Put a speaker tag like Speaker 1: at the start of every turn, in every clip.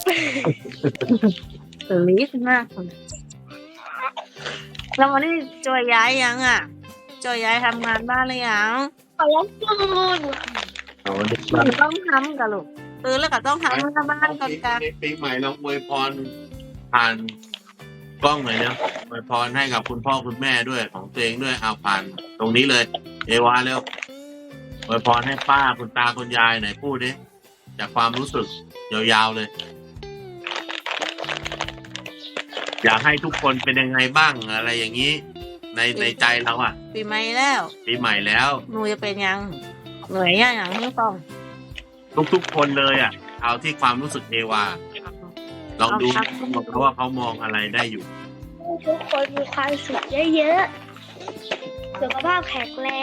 Speaker 1: ตื่นรีบมากแล้ววันนี้จอยย้ายยังอ่ะจอยย้ายทำงานบ้านหรือยัง
Speaker 2: ขอรับตูน
Speaker 3: เอาเด็ก
Speaker 1: ห
Speaker 3: บ้าน
Speaker 1: นูต้องทำกับลูกตื่นแล้วก็ต้องทำหน้าบ้านก่อนกัน
Speaker 3: ปีใหม่เราอวยพรผ่านกล้องหน่อยนะอวยพรให้กับคุณพ่อคุณแม่ด้วยของตัวเองด้วยเอาผ่านตรงนี้เลย เอวาเร็วอวยพรให้ป้าคุณตาคุณยายหน่อยพูดดิจากความรู้สึกยาวๆเลย อยากให้ทุกคนเป็นยังไงบ้างอะไรอย่างนี้ ในใจเราอ่ะ
Speaker 1: ปีใหม่แล้ว
Speaker 3: ปีใหม่แล้ว
Speaker 1: หนูจะเป็นยังเหนื่อยยังไม่ต้อง
Speaker 3: ทุกๆคนเลยอ่ะ เอาที่ความรู้สึกเอวาลองดูเขาว่าเขามองอะไรได้อยู่
Speaker 2: ทุกคนมีความสุขเยอะๆสุขภาพแข็งแรง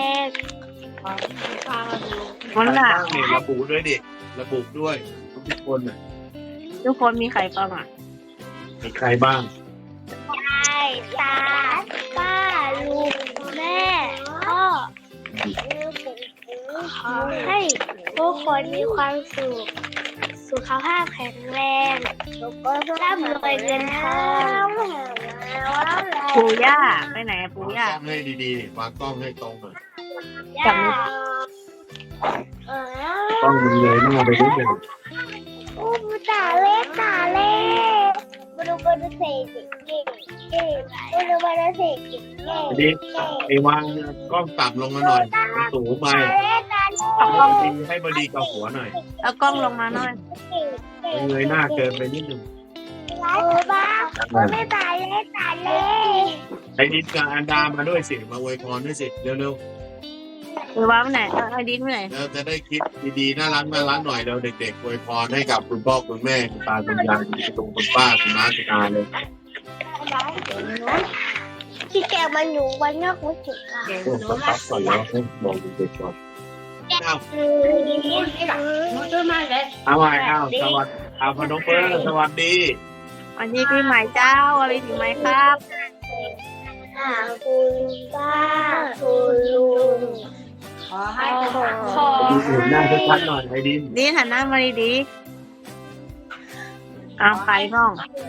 Speaker 1: มันล่ะ
Speaker 3: นี่ระบุด้วยดิระบุด้วยทุกคนน่ะ
Speaker 1: ทุกคนมีใครประมาณ
Speaker 3: มีใครบ้าง
Speaker 2: ยายตาป้าลุงแม่พ่อขอให้ทุกคนมีความสุขสุขภาพแข็งแรงร่ำรวยเงินทอง
Speaker 1: ปู่ย่าไปไหนอะปู่
Speaker 3: วาง
Speaker 1: ย่าก
Speaker 3: ล้องให้ดีๆวางกล้องให้ตรงหน่อย
Speaker 2: ย่า
Speaker 3: กล้องมันเลยหน้าไปนิดนึง
Speaker 2: อู้ตาเล่ตาเล่บรูเสกเก่งเก่งบรูเสกเก่งเก่ง
Speaker 3: ดีไอ้วางกล้องต่ำลงมาหน่อยมันสูงไป
Speaker 1: เอากล้อง
Speaker 3: ให้บดีกับหัวหน่อย
Speaker 1: เอากล้องลงมาหน่อย
Speaker 3: มันเงยหน้าเกินไปนิดนึง
Speaker 2: บ้าไม่ตาเล่ตาเล่
Speaker 3: ไอ้นิดกับอันดามาด้วยสิมาอวยพรด้วยสิเร็ว
Speaker 1: หรือว่าไปไหนเอาไอดินไปไหน
Speaker 3: ๆแล้วจะได้คิดดีๆน่ารักหน่อยเดี๋ยวเด็กๆอวยพรให้กับคุณพ่อคุณแม่คุณตาคุณยายคุณลุงคุณป้าคุณน้าคุณอาเลย
Speaker 2: ที่แกมันอยู่วันนอกวัดจุกค่ะ
Speaker 3: โอ้สักพักก่อนแล้วให้บอกเด็กๆก่อนเอา เอาใหม่เอาสวัสดีเอาพนมเปอร์สวัสดี
Speaker 1: วันนี้ปีใหม่เจ้าอะไรปีใหม่ครับ
Speaker 2: คุณป้าคุณลุงขอให้
Speaker 3: ดูอื่นหน้าชัดๆหน่อยไอ้ดิน
Speaker 1: ดีหันหน้ามาดีๆเอาใครบ้าง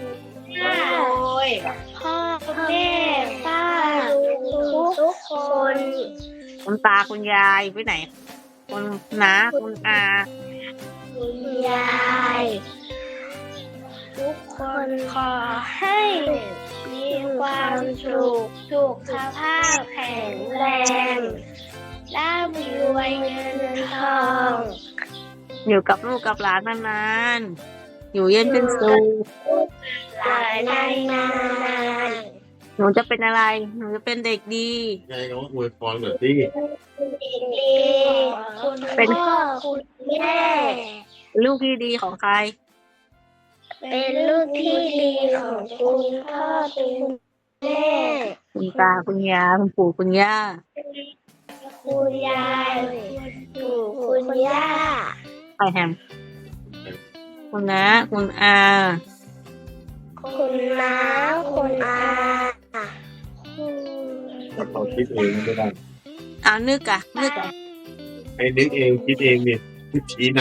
Speaker 2: พ่อแม่ป้าลุงทุกคน
Speaker 1: คุณตาคุณยายไปไหนคุณน้าคุณอา
Speaker 2: คุณยายทุกคนขอให้มีความสุขภาพแข็งแรงร่ำรวยเงินทอง
Speaker 1: อยู่กับลูกกับหลานนานๆอยู่เย็นเป็นสุข
Speaker 2: หลายนาน
Speaker 1: หนูจะเป็นอะไร หนูจะเป็นเด็กดี
Speaker 3: ยายน้องอวยพรหน่อยสิ
Speaker 2: ๆดีคุณพ่อคุณแม่
Speaker 1: ลูกที่ดีของใคร
Speaker 2: เป็นลูกที่ดีของคุณพ่อคุณแม่
Speaker 1: คุณตาคุณยายคุณปู่คุณย่า
Speaker 2: คุณยายปู่คุณย่า
Speaker 1: ใครแฮมคุณน้าคุณอา
Speaker 2: คุณน้าคุณอาคุณ
Speaker 3: ถ้าเขาคิดเองไม่ได้
Speaker 1: เอานึกอะ
Speaker 3: ให้นึกเองคิดเองเนี่ยคิดชี้น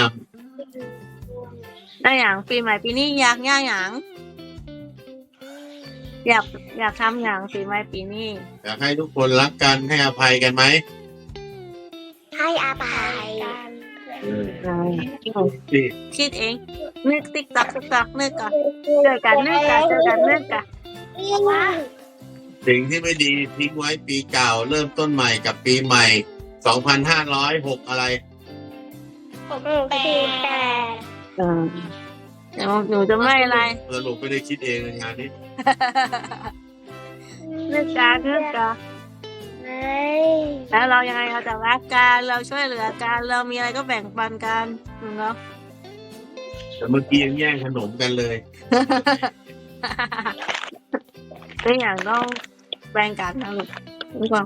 Speaker 1: ได้อย่างปีใหม่ปีนี้อยากย่าอย่างอยากทำอย่างปีใหม่ปีนี้
Speaker 3: ำอยากให้ทุกคนรักกันให้อภัยกันไหม
Speaker 2: ให้อภัย
Speaker 3: สิ
Speaker 1: คิดเอง นึกติ๊กตักติ๊กตักนึกอะเจอกันนึกอะเจอกันนึกอะ
Speaker 3: สิ่งที่ไม่ดีทิ้งไว้ปีเก่าเริ่มต้นใหม่กับปีใหม่ 2,506 อะไร
Speaker 2: แปด
Speaker 1: หนูจะไม่อะไร
Speaker 3: สรุปไม่ได้คิดเองในงานนี้
Speaker 1: นึกกันแล้วเรายังไงเราจะรักกันเราช่วยเหลือกันเรามีอะไรก็แบ่งปันกันเนาะ
Speaker 3: แต่เมื่อกี้ยังแย่งขนมกันเลย
Speaker 1: ทุกอย่างต้องแบ่งกันนะลูกรู้ป่ะ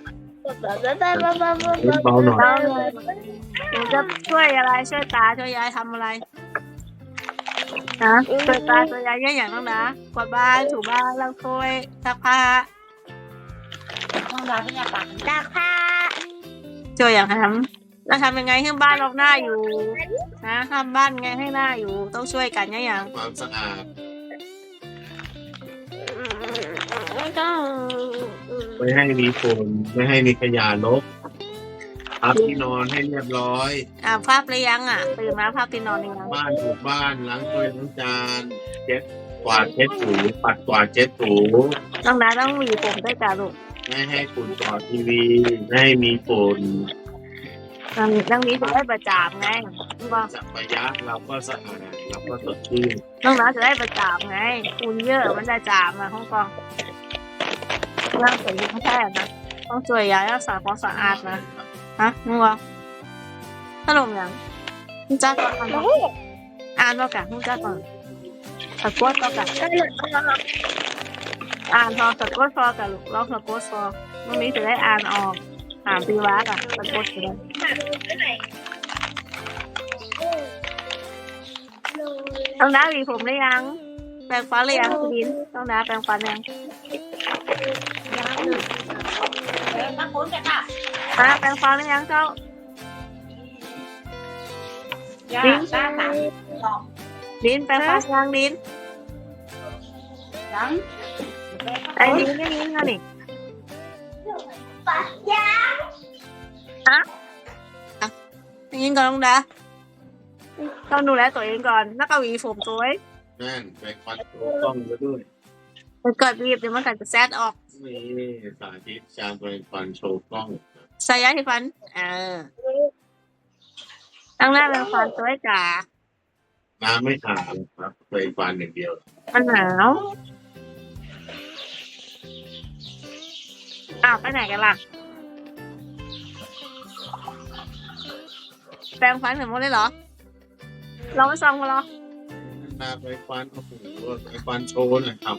Speaker 3: เบาหน่อย
Speaker 1: หนูจะช่วยอะไรช่วยตาช่วยยายทำอะไรนะช่วยตาช่วยยายเยอะอย่างต้องนะกวาดบ้านถูบ้านล้างถ้วยซักผ้า
Speaker 2: ดักผ้า
Speaker 1: ช่วยอย่างทเราทำยังไงให้บ้านเราหน้าอยู่นะทำบ้านไงให้หน้าอยู่ต้องช่วยกันอย่าง
Speaker 3: ความสะอาด
Speaker 2: ต้อง
Speaker 3: ไม่ให้มีฝุ่นไม่ให้มีขยะรกพับที่นอนให้เรียบร้อย
Speaker 1: ภาพหรือยังตื่นมาภาพที่นอนหรือยัง
Speaker 3: บ้านถูบ้านล้างถ้วยล้างจานเช็ดกวาดเช็ดถูปัดกวาดเช็ดถู
Speaker 1: ต้องนะต้องหวีผมด้วยกันลูก
Speaker 3: ไม่ให้ฝุ่นต่อทีวีไม่ให้มีฝุ่น
Speaker 1: ต้องนี้จะได้ประจามไงบอก
Speaker 3: สัพยะเราก็สะอาดเราก็สดชื่น
Speaker 1: ต้องนะจะได้ประจามไงคุณเยอะมันจะจามห้องกองร่างสวยไม่ใช่นะต้องสวยย้ายรักษาความสะอาดนะฮะมึงวะขนมยังมึงจ้าก่อนอ่านแล้วกันมึงจ้าก่อนสะกดแล้วกันอ่านพอสะกดพอกันลูกลองสะกดพอวันนี้จะได้อ่านออกถามปีวะกันสะกดจะได้ต้องน้าหวีผมได้ยังแปรงฟันหรือยังคุณดินต้องน้าแปรงฟันยังแปรงฟันหรือยังเจ้าดินแปรงฟันยังดินไอ้ดินไม่ยินกันนี่ยินก่อนต้องน้าต้องดูแลตัวเองก่อนแล้วก็หวีผมตัวไว้
Speaker 3: นั่นไปควัดตัวกล้องก็ด้วย
Speaker 1: เกิดบีบเดี๋ยวมันก็จะแซดออก
Speaker 3: นี่สาธิตการไปควันโชว์กล้อง
Speaker 1: ใส่ยาที่ฟันตั้งหน้าเป็นฟันตัวไอ้จ๋า
Speaker 3: น้ำไม่ขาดครับไปควันอย่างเดียว
Speaker 1: มันหนาวไปไหนกันล่ะแปรงฟันถึงหมดเลยเหรอเราไม่ซองกันเหรอ
Speaker 3: น้ำไปควันโอ้โหไปควันโชว์หน่อยครับ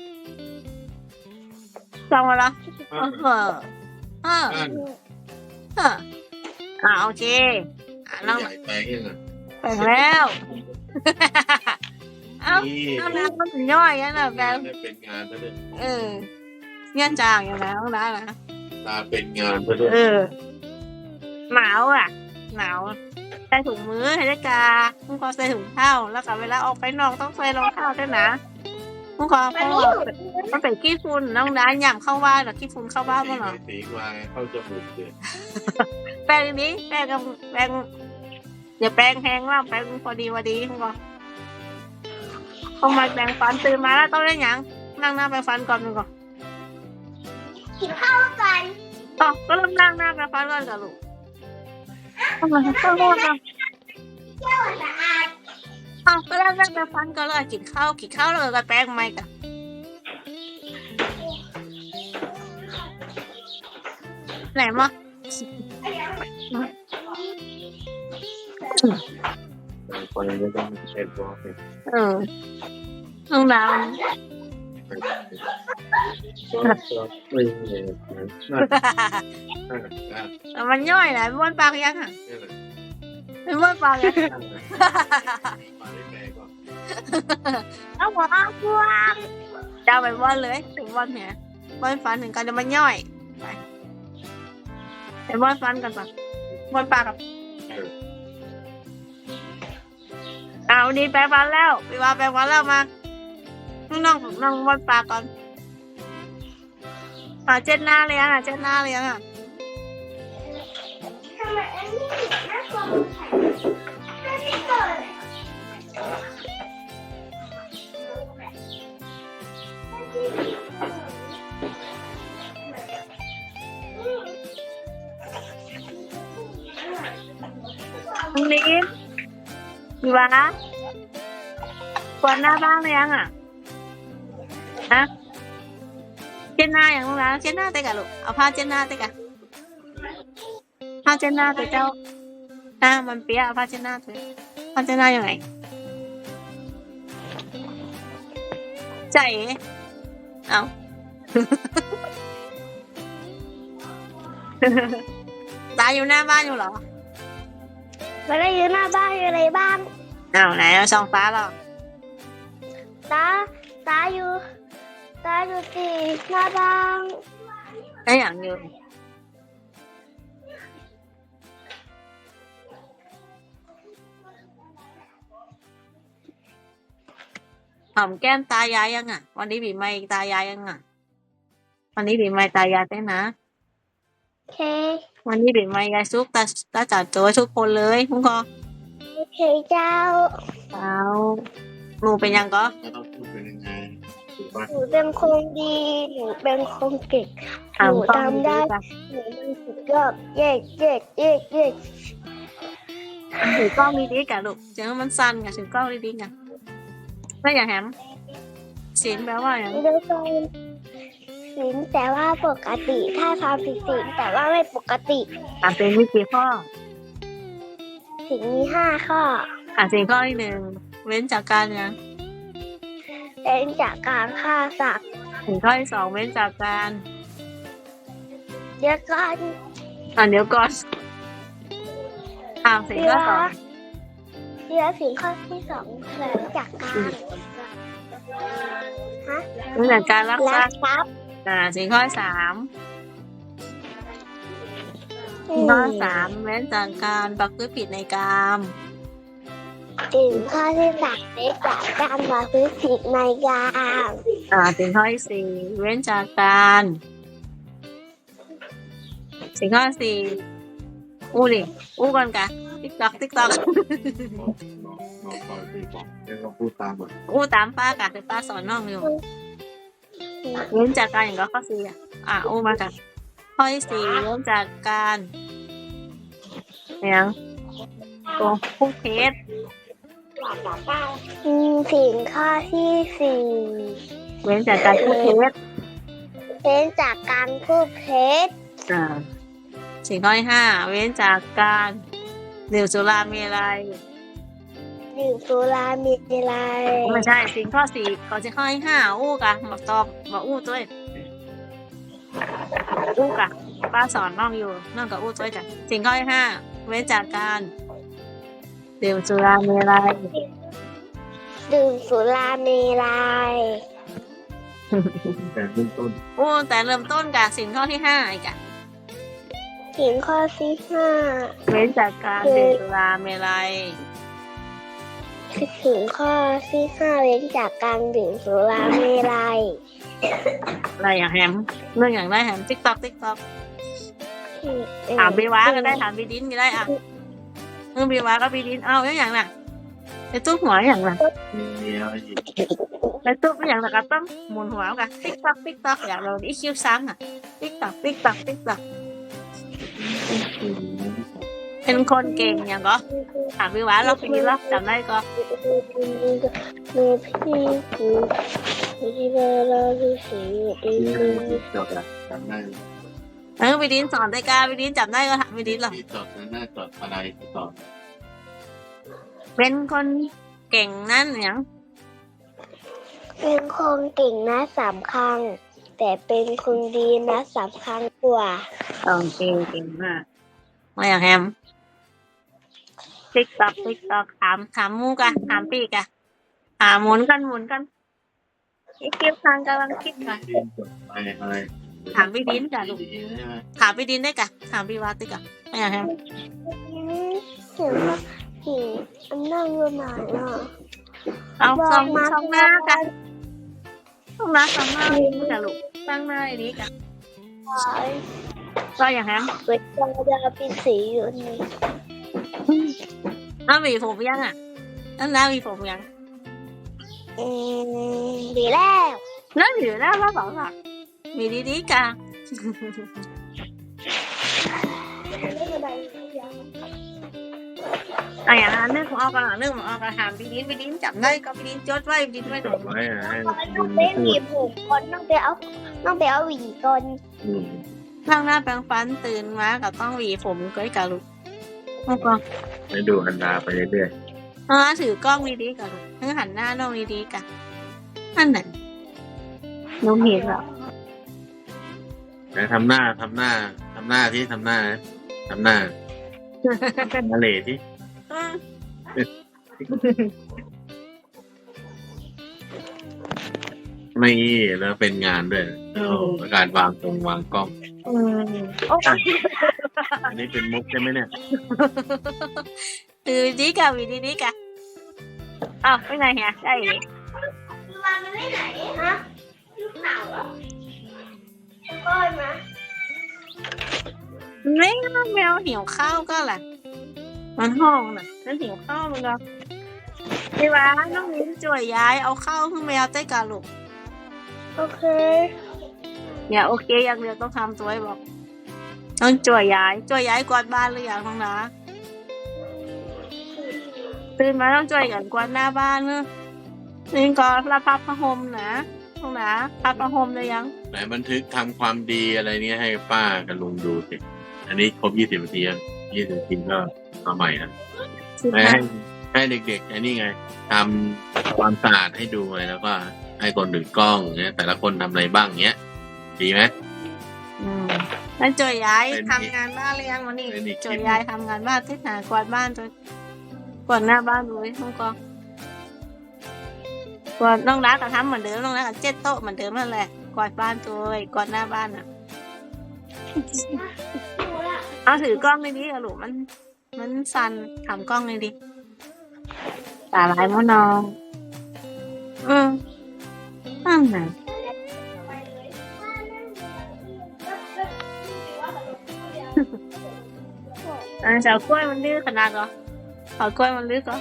Speaker 1: ซองกันเหรอโอเคน้อง
Speaker 3: ใหญ่แปลงยังไง
Speaker 1: แปรงแล้ว
Speaker 3: นี่
Speaker 1: น้ำมันย่อยนะแปรง
Speaker 3: ได้เป็นงานซะด้วย
Speaker 1: เงี้ยจางอย่างนั้นต้องได้นะ
Speaker 3: ตาเป็นงานซะด้วย
Speaker 1: หนาวหนาวใส่ถุงมือให้ได้กามึงขอใส่ถุงเท้าแล้วก็เวลาออกไปนอกต้องใส่รองเท้าด้วยนะมึงขอเพราะว่ามันเป็นขี้ฝุ่นน้องด้านย่ำเข้าบ้านหรอขี้ฝุ่นเข้าบ้านมั้งเหรอ
Speaker 3: สีวายเข้าจมูกเลย
Speaker 1: แปรงนี้แปรงกับแปรงอย่าแปรงแห้งว่าแปรงพอดีมึงขอเข้ามาแปรงฟันตื่นมาแล้วต้องเล่นยังนั่งหน้าแปรงฟันก่อนมึงก่อน
Speaker 2: กินข้าวกัน
Speaker 1: ก็เริ่มนั่งหน้าแปรงฟันก่อนกับลูกต้องมาเข้าบ้านก่อน
Speaker 2: เที่ยวสะอาด
Speaker 1: ก็เริ่มนั่งแปรงฟันก่อนแล้วกินข้าวแล้วก็แปรงไม่กันไหนมา
Speaker 3: คนไม่ต้องเช็ดตัวเป็น
Speaker 1: น้องดาว
Speaker 3: ไม่เลยนั่น
Speaker 1: มันย่อยแหละไม่บ้วนปากยังอ่ะ
Speaker 3: นี่แหละ
Speaker 1: ไม่บ้วนปากยัง
Speaker 3: มาได้แปลก็
Speaker 2: เอาหัวเอาพวง
Speaker 1: ดาวไปบ้วนเลยถึงบ้วนเนี่ยบ้วนฟันถึงกันเดี๋ยวมันย่อยไปบ้วนฟันกันปะบ้วนปากกับดีแปรงฟันแล้วพี่ว่าแปรงฟันแล้วมาน้องบ้วนปากก่อนเจ็ดหน้าเลยเจ็ดหน้าเลย
Speaker 2: ทำไมอันนี้น่ากลัวเหมือนไข่ไม่เปิด
Speaker 1: ตรงนี้พี่ว่าปวดหน้าบ้างเลยยังเจ็ดหน้าอย่างนู้นนะเจ็ดหน้าเตะกะลูกเอาผ้าเจ็ดหน้าเตะกะผ้าเจ็ดหน้าเตะเจ้ามันเปียเอาผ้าเจ็ดหน้าเตะผ้าเจ็ดหน้ายังไงใจเอา ตาอยู่หน้าบ้านอยู่เหรอ
Speaker 2: เวลาอยู่หน้าบ้านอยู่ในบ้าน
Speaker 1: ไหนเอาช่องฟ้าหรอ
Speaker 2: ตาอยู่ที่หน้าบ้าน
Speaker 1: ได้อย่างอยู่หอมแก้มตายายยังอ่ะ วันนี้ปีใหม่ตายายยังอ่ะ วันนี้ปีใหม่ตายายได้นะ
Speaker 2: โอเค
Speaker 1: วันนี้ปีใหม่ยายซุกตาจัดโจ้ทุกคนเลยคุณกอ
Speaker 2: โอเคเจ้า
Speaker 1: เอาหนูเป็นยังก็
Speaker 3: ก็ต้องพูดเป็นยังไงถูกปะ
Speaker 2: หนูเป็นคนดีหนูเป็นคนเก่งหนูทำได้หนูมันสุดยอดเย่เย่เย่เย่
Speaker 1: ถือกล้องดีๆกันลูกเจ้ามันสั้นกันถือกล้องดีๆกันไม่อย่าแหมเสียงแปลว่าอย่าง
Speaker 2: เดี๋ยวก่อนศีลแต่ว่าปกติถ้าทำผิดศีลแต่ว่าไม่ปกติ
Speaker 1: อ่านเป็นวิกี่ข้อ
Speaker 2: ศีลมี5 ข้อ
Speaker 1: อ่านสิ่งข้อที่1เว้นจากการยัง
Speaker 2: เป็นจากการฆ่าสัตว์
Speaker 1: สิ่งข้อที่2เว้นจากการ
Speaker 2: เดี๋ยวก่อน
Speaker 1: เดี๋ยวก่อนสิ่งข้อสอง
Speaker 2: เดี๋ยวศีลข้อที่2เป็นจากการฮะ
Speaker 1: เว้นจากการรักท
Speaker 2: ลั
Speaker 1: รั
Speaker 2: ก
Speaker 1: พย์
Speaker 2: ทรัพย์
Speaker 1: สิ่งข้อที่3สิ่งข้อที่3เว้นจากการประพฤติผิดในกาม
Speaker 2: ศีลข้อที่3เป็นจากการประพฤติผิดในกาม
Speaker 1: สิ่งข้อที่4เว้นจากการสิ่งข้อที่4อู้ก่อนกะติ๊กตอก
Speaker 3: น้องปล่อยตีบอกเดี๋ยวเราพูดตามหมด
Speaker 1: อู้ตามป้ากะคือป้าสอนน้องอยู่เว้นจากการอย่างก็ข้อ4อู้มากันข้อที่4เว้นจากการอย่างโกงพูดเท็จ
Speaker 2: ศีลข้อที่
Speaker 1: เว้นจากการพูดเท็จ
Speaker 2: 4เป็นจากการพูดเท็จ
Speaker 1: สิ่งข้อที่5เว้นจากการดื่มสุราเมลัย
Speaker 2: ดื่มสุรามีอะไร
Speaker 1: ไม่ใช่สิ่งข้อ4ก่อนสิ่งข้อที่5อู้กะมาตอบมาอู้ด้วยอู้กะป้าสอนน้องอยู่น้องกับอู้ด้วยจ้ะสิ่งข้อที่5เว้นจากการดื่มสุราเมลัย
Speaker 2: ดื่มสุรามีอะไร
Speaker 3: แต่เริ่มต้น
Speaker 1: อู้แต่เริ่มต้นกะสิ่งข้อที่5อีกอะ
Speaker 2: ศีลข้อที่
Speaker 1: เว้นจากการดื่มสุราเมลัย
Speaker 2: 5ศีลข้อที่5เว้นจากการดื่มสุรามีอะไร
Speaker 1: อะไรอย่างแฮมเรื่องอย่างได้แฮมติ๊กต็อกถามบีวาก็ได้ถามบีดินก็ได้เรื่องบีวาก็บีดินเอาอย่างน่ะไอ้ตุ๊กหัวอย่างน่ะ
Speaker 3: มีอะไรอีก
Speaker 1: ไอ้ตุ๊กอย่างน่ะก็ต้องหมุนหัวกันติ๊กต็อกอย่างเราอีคิวซ้ำติ๊กต็อกเป็นคนเก่งอย่างก็ถามบีวาเราบีรับจำได้ก็
Speaker 2: มีพี่กูที่เราดูสีดี
Speaker 3: จดอะจำได้
Speaker 1: บีดินสอนได้กาบีดินจำได้ก็ถามบีดินหรอ
Speaker 3: ที่จดนั้นน่าจดอะไรจด
Speaker 1: เป็นคนเก่งนั่นอย่าง
Speaker 2: เป็นคนเก่งนะ3 ครั้งแต่เป็นคนดีนะ3 ครั้งกว่า
Speaker 1: เก่งมากมาอย่างแฮมติ๊กต็อกถามมูกะถามปีกะหมุนกันอีคิวทางกำลังคิดกัน
Speaker 3: จดอะไร
Speaker 1: ถามพี่ดินจ้ะลูก
Speaker 3: ใช่ไหม
Speaker 1: ถามพี่ดินได้กะถามพี่วัดได้กะมาอย่างแฮม
Speaker 2: เห็นว่าหินอันนั่งอยู่ไหนอ่ะ
Speaker 1: เอาช่องหน้ากะช่องหน้าจ้ะลูกตั้งหน้าอย่างนี้กะก็อย่างแฮม
Speaker 2: เวลาจะเป็นสีอยู่นี่
Speaker 1: น้าหวีผมยังอ่ะน้าหวีผมยัง
Speaker 2: ดีแล้ว
Speaker 1: น้าหวีแล้วเราบอกว่ามีดีๆกะ
Speaker 2: ไม่เป็นไร
Speaker 1: อย่างนั้นนึกของออกกันถามพี่ดินจับได้ก็พี่ดินจดไว้พี่ดินไว้หน่
Speaker 3: จ
Speaker 1: อย
Speaker 3: ดไว้ให้
Speaker 2: ต้องไปหวีผมก่อนต้องไปเอาหวีก่อน
Speaker 1: ข้างหน้าแปรงฟันตื่นมาก็ต้องหวีผมก้อยกะลูกแล้วก็
Speaker 3: ไปดูอันดาไปเรื่อย
Speaker 1: ถือกล้องดีๆกะลูกหันหน้าน้องดีๆกะนั่นน่ะหนูเห็นแล้ว
Speaker 3: ๆนะทำหน้าที่ทำหน้ามาเลที่ไม่แล้วเป็นงานด้วยการวางกล้อง อันนี้เป็นมุกใช่ไหมเนี่ย
Speaker 1: ดีกะวีดีกะอ้าวไปไหนเฮียได้
Speaker 2: วานมันไม่ไหนฮะลูกเต่าอ่ะก้อนนะ
Speaker 1: ไม่แมวหิวข้าวก็แหละมันห้องน่ะแล้วหิวข้าวมันก็พี่ว่าน้องมิ้นจ่วยย้ายเอาข้าวขึ้นแมวใต้กาลูก
Speaker 2: โอเค
Speaker 1: อย่าโอเคอย่างเดียวต้องทำตัวให้บอกต้องจ่วยย้ายกวาดบ้านหรือยังน้องนะตื่นมาต้องจ่วยกันกวาดหน้าบ้านเนอะนี่ก็รับพับผ้าห่มนะน้องนะพับผ้าห่มได้ยัง
Speaker 3: ไหนบันทึกทำความดีอะไรเนี้ยให้ป้ากับลุงดูสิอันนี้ครบ20 นาทีแล้ว20 นาทีก็มาใหม่นะให้เด็กๆอันนี้ไงทำความสะอาดให้ดูไงแล้วก็ให้คนถือกล้องเนี้ยแต่ละคนทำอะไรบ้างเนี้ยดีไหม
Speaker 1: แล้วจ่วยย้าย
Speaker 3: เป็น
Speaker 1: ทำงานบ้านหรือยังวันนี้
Speaker 3: เป็นอีก
Speaker 1: จ่วยย้ายทำงานบ้านที่หากวาดบ้านจนกวาดหน้าบ้านด้วยน้องกองกวาดน้องรักก็ทำเหมือนเดิมน้องรักก็เจ็ดโต๊ะเหมือนเดิมนั่นแหละกวาดบ้านด้วยกวาดหน้าบ้านอ่ะ เอาถือกล้องในนี้อะลูกมันสั่นถามกล้องเลยดิตาลายมะนองนั่นไงเฉากล้วยมันลื้อขนาดเหรอเฉากล้วยมันลื้อก็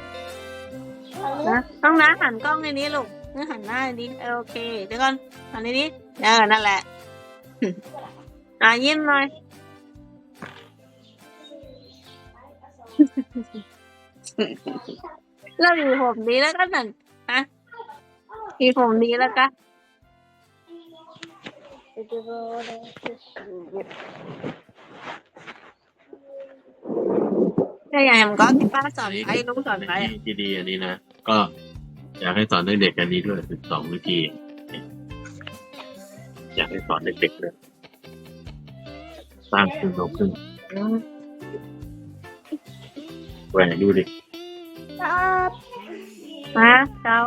Speaker 1: นะต้องนะหันกล้องในนี้ลูกนี่หันหน้าในนี้โอเคเดี๋ยวก่อนหันในนี้นั่นแหละ ยิ้มหน่อย แล้วมีผมดีแล้วก็นั่นฮะมีผมดีแล้วก็ถ้าอย่างนั้นก็ที่ป้าสอนไปลุงสอนไป
Speaker 3: ที่ดีอันนี้นะก็อยากให้สอนเด็กๆอันนี้ด้วย12 วิธีอยากให้สอนเด็กๆเลยสร้างขึ้นโตขึ้นแหวนดูดิ
Speaker 1: มาเจ้า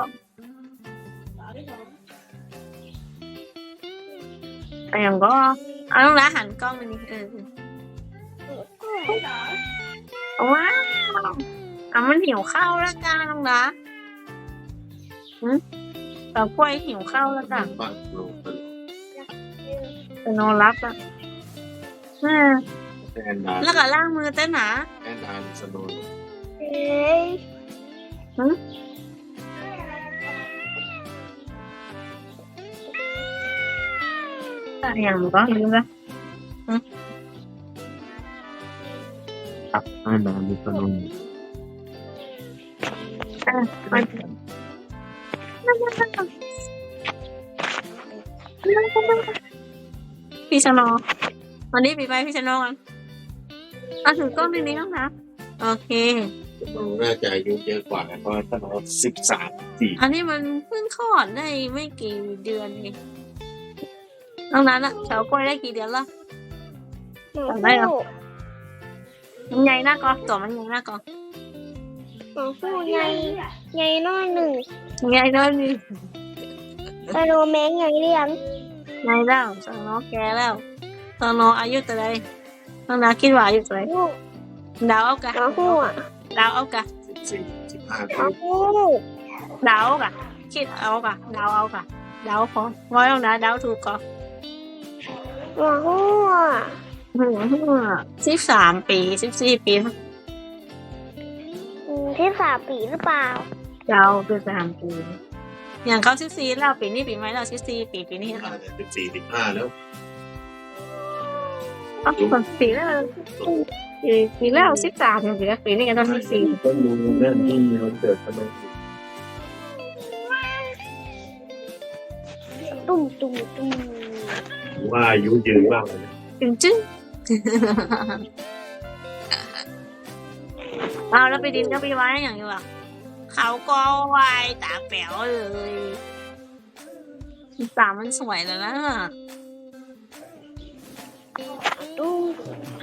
Speaker 1: อย่างก็เอาต้องร้าหันกล้องไปนี่ว้าวมันหิวข้าวแล้วกันน้องนะแต่กล้วยหิวข้าวแล้วกัน
Speaker 3: บ้านลง
Speaker 1: ไปนอนรับอ่ะ
Speaker 3: แอนนา
Speaker 1: แล้วก็ล้างมือเต้นหนา
Speaker 3: แอนนาสโนว์
Speaker 1: อย่างก็ลืมละ
Speaker 3: ครับแอนนาสโนว์
Speaker 1: พี่ชโนวันนี้ปีไปพี่ชโนกันถือกล้องในนี้ต้องนะโอเค
Speaker 3: น่าจะอายุเยอะกว่าเพราะสโนว์13
Speaker 1: อันนี้มันเพิ่งคลอดได้ไม่กี่เดือนเองน้องนั้นอะเฉากล้วยได้กี่เดือนละได้หรอมันใหญ่หน้าก็ตัวมันใหญ่หน้าก็
Speaker 2: หนูพูดไงน้อยหนึ่ง
Speaker 1: ใหญ่ด้วยนี่
Speaker 2: ไปโรแมงไงเรียง
Speaker 1: ใหญ่แล้วสองน้องแกแล้วสองน้องอายุเท่าไรน้องนาคิดว่าอายุเท่าไร
Speaker 2: ลูก
Speaker 1: ดาวเอากะ
Speaker 2: น้องพูด
Speaker 1: ดาวเอากะ
Speaker 3: 15
Speaker 2: น้องพูด
Speaker 1: ดาวเอากะคิดเอากะดาวเอากะดาวพอร้อยแล้วนะดาวถูกก็
Speaker 2: น้องพูด
Speaker 1: 13 ปี14 ปี
Speaker 2: ที่3 ปีหรือเปล่า
Speaker 1: ดาวคือ3 ปีอย่างเขา14แล้วปีนี้ปีไหมเรา14 ปีนี้ค่ะ
Speaker 3: 14-15แล้ว
Speaker 1: ปีแล้วปีแล้ว13อย่างปีแล้วปีนี้กันตอน14
Speaker 3: ก็รู้เรื่องที่มันเกิดสโนว์
Speaker 2: ตุ้ม
Speaker 3: ว่าอายุยืนมากเลย
Speaker 1: จึ้งเอาแล้วไปดินก็ไปไว้อย่างนี้ว่ะเขาก็วายตาแป๋วเลยตามันสวยแล้วนะ
Speaker 2: ตุ้ม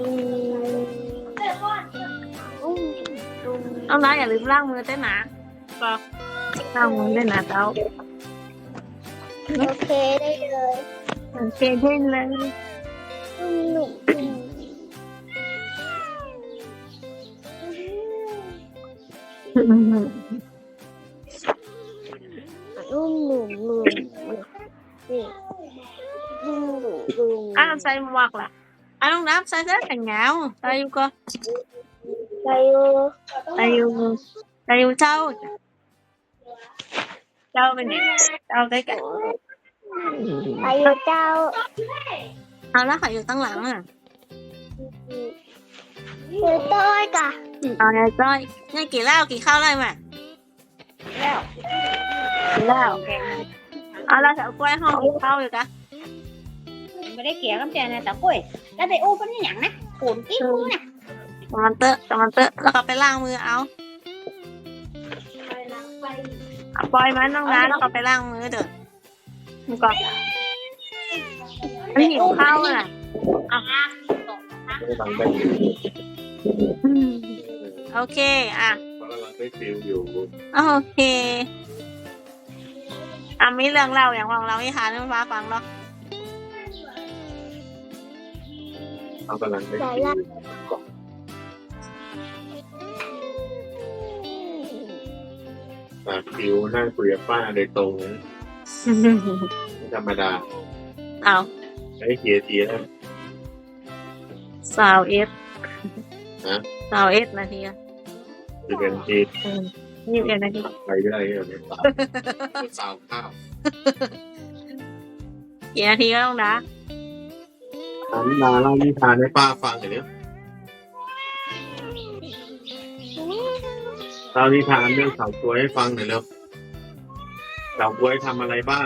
Speaker 1: เอานะอย่าลืมล้างมือเต้นนะก็ล้างมือเต้นนะเจ้า
Speaker 2: โอเคได้เลย
Speaker 1: โอเคเต้นเลย
Speaker 2: ตุ้มนุ่มหนุ่มนุ่มนี่นุ่มหนุ่มนุ่ม
Speaker 1: อ้าวใส่หมวกล่ะอ้าวน้องน้ำใส่เสื้อแขนยาวใส่อยู่ก็
Speaker 2: ไปอยู่
Speaker 1: ใส่อยู่ใส่อยู่เจ้าเป็นไงเจ้าใกล้กัน
Speaker 2: ไปอยู่เจ้า
Speaker 1: เอาแล้วค่ะอยู่ตั้งหลังอ่ะ
Speaker 2: อยู่ต้อยกะ
Speaker 1: เอาไงจ้อยนี่กี่เหล้ากี่ข้าวเลยไหม
Speaker 2: แล้ว
Speaker 1: กี่เหล้าเอาแล้วแถวกล้วยห้องกี่ข้าวอยู่กะ
Speaker 2: ไม่ได้เกี่ยวกับแกนะแต่กุ้ยแล้วไปอู้เป็นอย่างนะขูนกิ้วนะ
Speaker 1: ตะมันเตอะแล้วก็ไปล้างมือเอาปล่อยมันน้องนะแล้วก็ไปล้างมือเด้อมันก็ไม่หิวข้าวอ่ะ
Speaker 2: อ่ะ
Speaker 3: กำลังได้
Speaker 1: โอเคอ่ะ
Speaker 3: กำลังได้ฟิลอยู่
Speaker 1: โอเคมีเรื่องเล่าอย่างของเราให้หาเรื่องฟ้าฟังเนาะ
Speaker 3: เขากำลังได้ฟิลอยู่ฟิลนั่งคุยกับป้าโดยตรงนะไม่ธรรมดา
Speaker 1: เอา
Speaker 3: ไอ้เกียร์ทีนะ
Speaker 1: สาวเอส
Speaker 3: ฮะ
Speaker 1: สาวเอสนาทีอะ
Speaker 3: จะเป็นที
Speaker 1: 21 นาที
Speaker 3: ไปได้เนี่ยสาวข้าว
Speaker 1: กี่นาทีก็ต้องนะ
Speaker 3: ถามนาเล่านิทานให้ป้าฟังหน่อยเนี่ยเล่านิทานเรื่องสาวกล้วยให้ฟังหน่อยเร็วสาวกล้วยทำอะไรบ้าง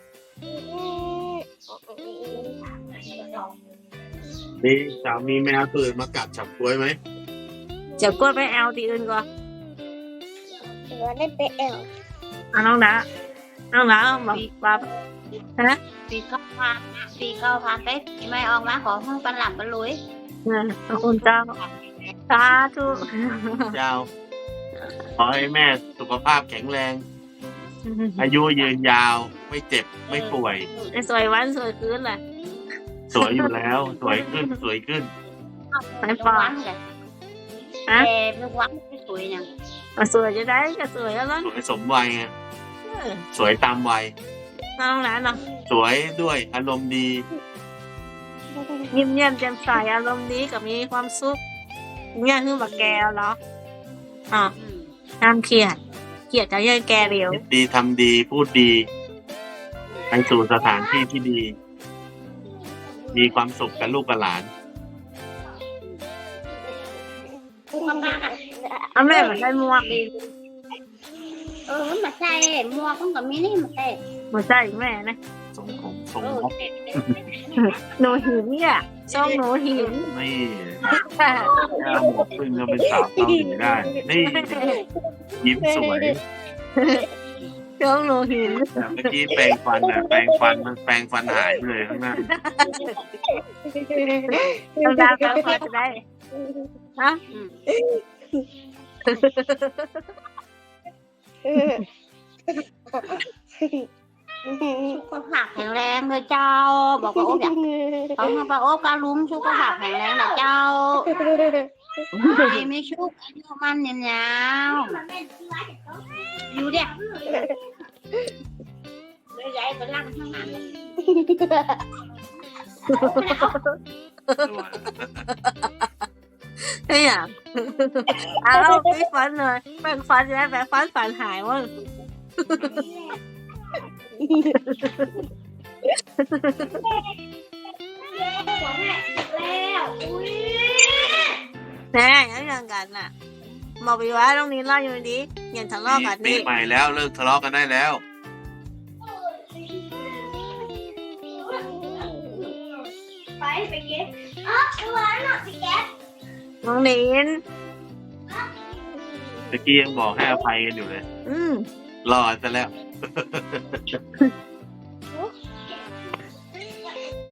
Speaker 3: นี่สาวมีแมวตื่นมากัดฉับกล้วยไหม
Speaker 1: เดี๋ยวกล้วยไปแอลตีอื่นก่อน
Speaker 2: เดี๋ยวได้ไปแอล
Speaker 1: น้องนะแบบฮะ
Speaker 2: ปี9,000ไปไม่ออกมาขอห้องปันหลังปันลุย
Speaker 1: ขอบคุณเจ้าสาธุ
Speaker 3: เจ้าขอให้แม่สุขภาพแข็งแรง อายุยืนยาวไม่เจ็บไม่ป่วย
Speaker 1: สวยวันสวยคืนเลย
Speaker 3: สวยอยู่แล้ว สวยขึ้นสวยขึ้น
Speaker 1: ไม่ฟองฮะ
Speaker 2: ลูกวัดไม่สวยยัง
Speaker 1: สวยจะได้ก็สวยแล้ว
Speaker 3: สวยสมวัยไงสวยตามวัย
Speaker 1: น้องนะเนาะ
Speaker 3: สวยด้วยอารมณ์ดี
Speaker 1: ยิ้มแย้มแจ่มใสอารมณ์ดีกับมีความสุขเนี่ยคือแบบแกเหรออ๋อห้ามเครียดจะยังแกเร็ว
Speaker 3: คิดดีทำดีพูดดีไปสู่สถานที่ที่ดี มีความสุขกับลูกกับหลาน
Speaker 1: เอาแม่เหมือนได้หมวกดี
Speaker 2: มาใส่หมวกมันก็มีนี่มาใส่
Speaker 1: หัวใจแม่นะ
Speaker 3: สงของสงมก
Speaker 1: หนูหินเนี่ยช่องหนูหิน
Speaker 3: นี่ย่าหมดพึ่งก็เป็นสาวเกาหลีได้ นี่ยิ้มสวย
Speaker 1: ช่องหนูหิน
Speaker 3: แต่เมื่อกี้แปรงฟันอ่ะแปรงฟันหายไปเลยข้างหน้า
Speaker 1: ต้องดาวกันพอจะได้ฮะ
Speaker 2: สุขภาพแข็งแรงเลยเจ้าบอกว่าโอ้ยเขาบอกโอ้การลุ้มสุขภาพแข็งแรงนะเจ้าไม่ชุกอายุมันเนี่ยยาวอยู่เด็กเลยใหญ่ไปลั่งข้างนั้น
Speaker 1: ไม่อยากเอาพี่ฟันเลยแบ่งฟันจะได้แบ่งฟันหายว่ะแน่ยังกันน่ะบอกไปว่าตรงนี้เล่าอยู่ดีอย่าทะเลาะกัน
Speaker 3: ปี
Speaker 1: นี่
Speaker 3: ใหม่แล้วเลิกทะเลาะกันได้แล้ว
Speaker 2: ไปเก็บตัวน่ะไปเก็บ
Speaker 1: น้องนิน
Speaker 3: ตะกี้ยังบอกให้อภัยกันอยู่เลย
Speaker 1: อืม
Speaker 3: รอดซะแล้ว